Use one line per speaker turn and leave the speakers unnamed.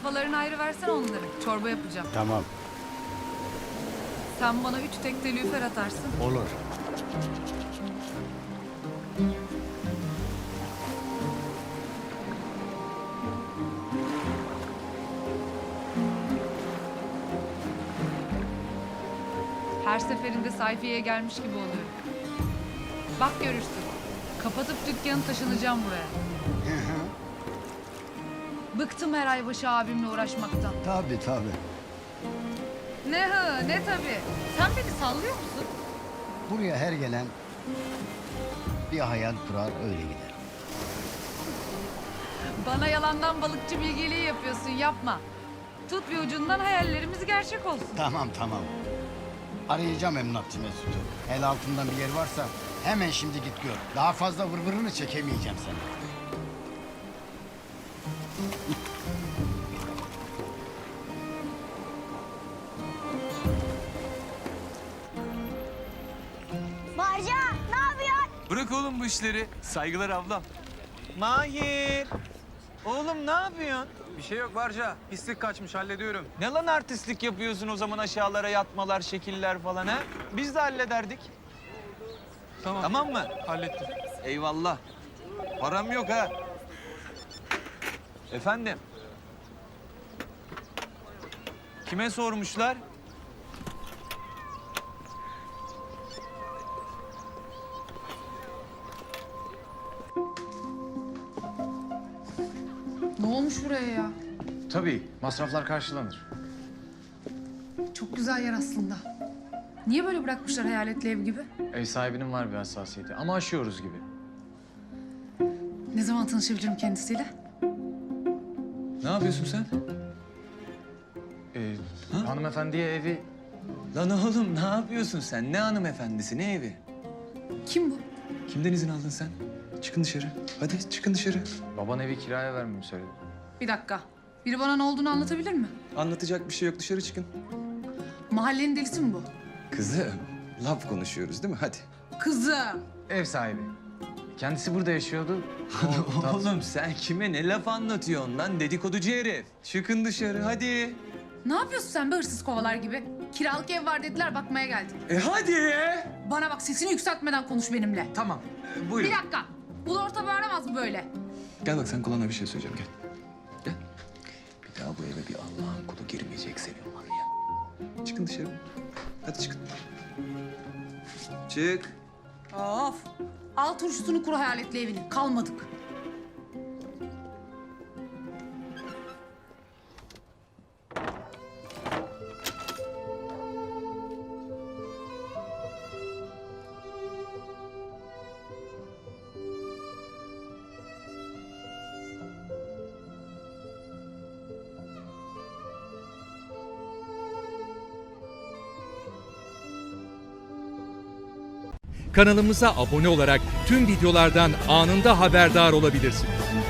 Kafalarını ayrı versen onları. Çorba yapacağım.
Tamam,
Sen bana 3 tekte lüfer atarsın.
olur.
Her seferinde sayfiyeye gelmiş gibi oluyor. Bak görürsün. Kapatıp dükkanı taşınacağım buraya. Bıktım her ay başı abimle uğraşmaktan.
Tabii tabii.
Ne hı ne tabii. Sen beni sallıyor musun?
Buraya her gelen bir hayal kurar öyle gider.
Bana yalandan balıkçı bilgeliği yapıyorsun, yapma. Tut bir ucundan hayallerimiz gerçek olsun.
Tamam tamam. Arayacağım emlakçı Mesut'u. El altından bir yer varsa hemen şimdi git gör. Daha fazla vırvırını çekemeyeceğim seni.
Barca ne yapıyorsun?
Bırak oğlum bu işleri. Saygılar ablam.
Mahir! Oğlum ne yapıyorsun?
Bir şey yok Barca. Pislik kaçmış hallediyorum.
Ne lan artistlik yapıyorsun o zaman aşağılara yatmalar, şekiller falan ha? Biz de hallederdik.
Tamam.
Tamam mı?
Hallettim.
Eyvallah. Param yok ha. Efendim? Kime sormuşlar?
Ne olmuş buraya ya?
Tabii, masraflar karşılanır.
Çok güzel yer aslında. Niye böyle bırakmışlar hayaletli ev gibi?
Ev sahibinin var bir hassasiyeti ama aşıyoruz gibi.
Ne zaman tanışabilirim kendisiyle?
Ne yapıyorsun sen?
Hanımefendiye evi...
Lan oğlum ne yapıyorsun sen? Ne hanımefendisi, ne evi?
Kim bu?
Kimden izin aldın sen? Çıkın dışarı. Hadi çıkın dışarı.
Baban evi kiraya vermemi söyledi.
Bir dakika. Biri bana ne olduğunu anlatabilir mi?
Anlatacak bir şey yok. Dışarı çıkın.
Mahallenin delisi mi bu?
Kızım, laf konuşuyoruz değil mi? Hadi.
Kızım.
Ev sahibi. Kendisi burada yaşıyordu. O
Oğlum sen kime ne laf anlatıyorsun lan? Dedikoducu herif. Çıkın dışarı hadi.
Ne yapıyorsun sen be hırsız kovalar gibi? Kiralık ev var dediler bakmaya geldim.
Hadi.
Bana bak sesini yükseltmeden konuş benimle.
Tamam.
Buyurun.
Bir dakika. Ulu orta bağıramaz mı böyle?
Gel bak sen kulağına bir şey söyleyeceğim gel. Gel. Bir daha bu eve bir Allah'ın kulu girmeyecek senin var ya. Çıkın dışarı. Hadi çıkın. Çık.
Of. Al turşusunu kuru hayaletli evini. Kalmadık.
Kanalımıza abone olarak tüm videolardan anında haberdar olabilirsiniz.